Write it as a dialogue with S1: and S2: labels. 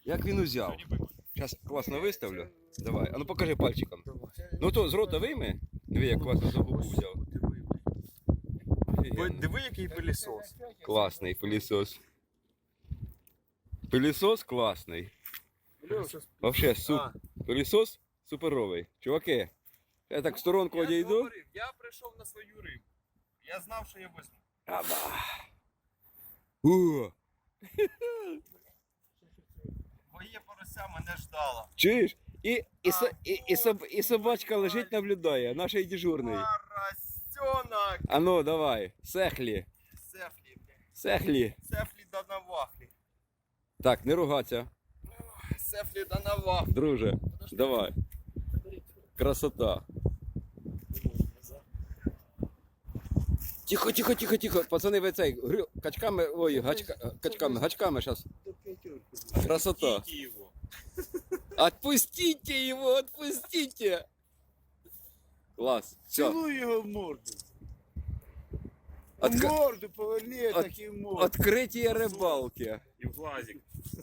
S1: Як він узяв? Зараз класно виставлю. Давай. А ну покажи пальчиком. Ну то з рота вийми. Диви, як класно за губу взяв. Офігенно.
S2: Диви, який пилісос.
S1: Класний пилісос. Пилісос класний. Вообще, пилісос суперовий. Чуваки, я так в сторонку одійду.
S2: Я прийшов на свою рибу. Я знав, що я візьму.
S1: Аба.
S2: Моє порося мене ждало.
S1: Чуєш? І собачка лежить, наблюдає, наш дежурний.
S2: Поросенок!
S1: А ну, давай, сехлі.
S2: Сефлі, блядь.
S1: Сехлі.
S2: Сефлі да навахлі.
S1: Так, не ругаться,
S2: Сефлі да навахлі.
S1: друже. Давай. Красота. Тихо, тихо, тихо, тихо. Пацани, ви цей, качками, ой, гачками зараз. Красота.
S2: Кики його.
S1: Отпустите его, отпустите. Класс. Все.
S3: Цілуй його в морду. В
S1: Отк-
S3: морду поверни, так і в морду.
S1: Открытие рыбалки.
S2: І в глазик.